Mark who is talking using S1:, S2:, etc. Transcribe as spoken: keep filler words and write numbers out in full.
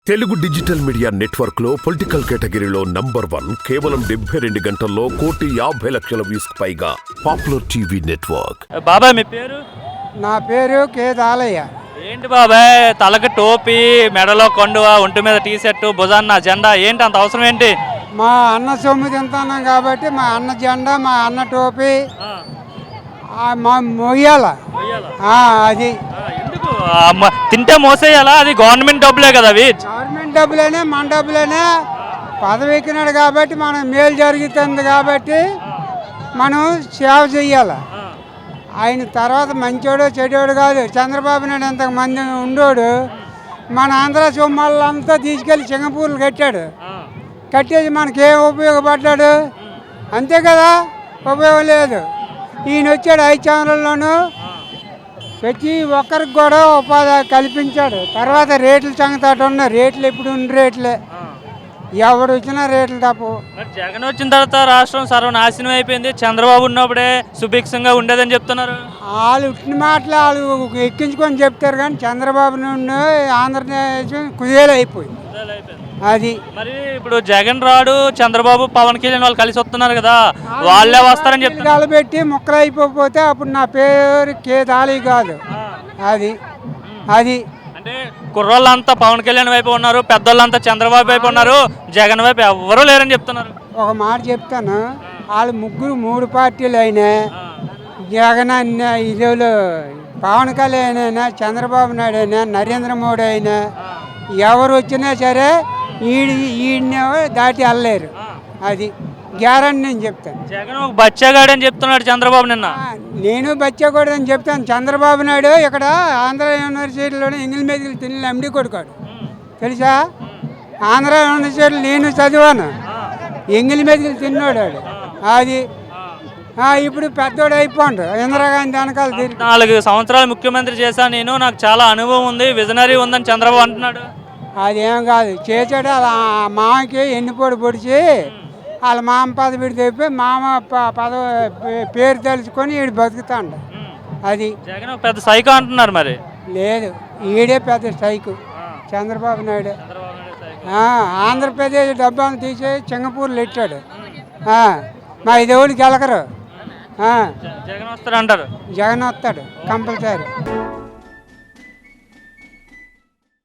S1: Telugu digital media network లో political కేటగిరీలో number one కేవలం డెబ్బై రెండు గంటల్లో కోటి యాభై లక్షల వ్యూస్ పైగా పాపులర్ టీవీ నెట్వర్క్.
S2: బాబాయ్ మీ పేరు?
S3: నా పేరు కే దాలయ్య.
S2: ఏంటి బాబాయ్ తలకి టోపీ, మెడలో కొండువ, ఒంటి మీద టీ షర్టు, భుజాన్న జెండా, ఏంటి అంత అవసరం ఏంటి?
S3: మా అన్న సొమ్ము తింటున్నాం కాబట్టి మా అన్న జెండా, మా అన్న టోపీ మా మొయ్యాల అది
S2: ఎందుకు తింటే మోసేయాలా? అది గవర్నమెంట్ డబ్బులే కదా అవి.
S3: గవర్నమెంట్ డబ్బులేనే మన డబ్బులేనే పదవి ఎక్కినాడు కాబట్టి మనకు మేలు జరుగుతుంది కాబట్టి మనం సేవ చెయ్యాలి. ఆయన తర్వాత మంచోడు చెడోడు కాదు. చంద్రబాబు నాయుడు ఎంతమంది ఉండోడు మన ఆంధ్ర సొమ్మాళ్ళంతా తీసుకెళ్ళి సింగపూర్లు కట్టాడు. కట్టేసి మనకేం ఉపయోగపడ్డాడు? అంతే కదా, ఉపయోగం లేదు. ఈయన వచ్చాడు ఐదు ఛానల్లోనూ ప్రతి ఒక్కరికి కూడా ఉపాధి కల్పించాడు. తర్వాత రేట్ల సంగతి ఉన్న రేట్లు ఎప్పుడు ఉన్న రేట్లే, ఎవడు వచ్చినా రేట్లు తప్పు.
S2: జగన్ వచ్చిన తర్వాత రాష్ట్రం సర్వనాశనం అయిపోయింది, చంద్రబాబు ఉన్నప్పుడే సుభిక్షంగా ఉండేదని చెప్తున్నారు.
S3: వాళ్ళు ఉట్టిన మాటలు వాళ్ళు ఎక్కించుకొని చెప్తారు కానీ చంద్రబాబు నుండి ఆంధ్రప్రదేశ్ కుదేలు అయిపోయింది. అది
S2: మరి ఇప్పుడు జగన్ రాడు, చంద్రబాబు పవన్ కళ్యాణ్ వాళ్ళు కలిసి వస్తున్నారు కదా, వాళ్ళే వస్తారని చెప్తారు.
S3: కలబెట్టి ముక్కలు అయిపోతే అప్పుడు నా పేరు కే దాలి కాదు. అది అది
S2: అంటే కుర్రోళ్ళంతా పవన్ కళ్యాణ్ వైపు ఉన్నారు, పెద్దోళ్ళంతా చంద్రబాబు వైపు ఉన్నారు, జగన్ వైపు ఎవరూ లేరని చెప్తున్నారు.
S3: ఒక మాట చెప్తాను, వాళ్ళు ముగ్గురు మూడు పార్టీలు అయినా జగన్ అయినా, ఇదేళ్ళు పవన్ కళ్యాణ్ అయినా, చంద్రబాబు నాయుడు అయినా, నరేంద్ర మోడీ అయినా ఎవరు వచ్చినా సరే ఈడి ఈయన దాటి వెళ్ళలేరు. అది గ్యారంటీ నేను చెప్తాను.
S2: జగన్ ఒక బచ్చగాడు అని చెప్తున్నాడు చంద్రబాబు నిన్న.
S3: నేను బచ్చగాడు అని చెప్తాను. చంద్రబాబు నాయుడు ఇక్కడ ఆంధ్ర యూనివర్సిటీలోనే ఇంగ్లీష్ మీదకి తిని ఎండి కొడుకాడు తెలుసా. ఆంధ్ర యూనివర్సిటీలో నేను చదివాను, ఇంగ్లీష్ మీదకి తిన్నాడు. అది ఇప్పుడు పెద్దోడు అయిపోండు. ఇందిరాగాంధీ వెనకాల తిరిగి
S2: నాలుగు సంవత్సరాలు ముఖ్యమంత్రి చేశాను నేను, నాకు చాలా అనుభవం ఉంది, విజనరీ ఉందని చంద్రబాబు అంటున్నాడు.
S3: అదేం కాదు, చేసాడు. అలా మామకి ఎన్నిపోడు పొడిచి వాళ్ళ మామ పదవి తెప్పి మామ పదవి పేరు తెలుసుకొని ఈడు బతుకుతాడు. అది
S2: జగన్ పెద్ద సైకో అంటున్నారు. మరి
S3: లేదు, ఈడే పెద్ద సైకు చంద్రబాబు నాయుడు. ఆంధ్రప్రదేశ్ డబ్బాను తీసి సింగపూర్లో ఇచ్చాడు. మా ఐదేళ్ళకి వెళ్ళకరు.
S2: జగన్ వస్తాడు అంటారు.
S3: జగన్ వస్తాడు కంపల్సరీ.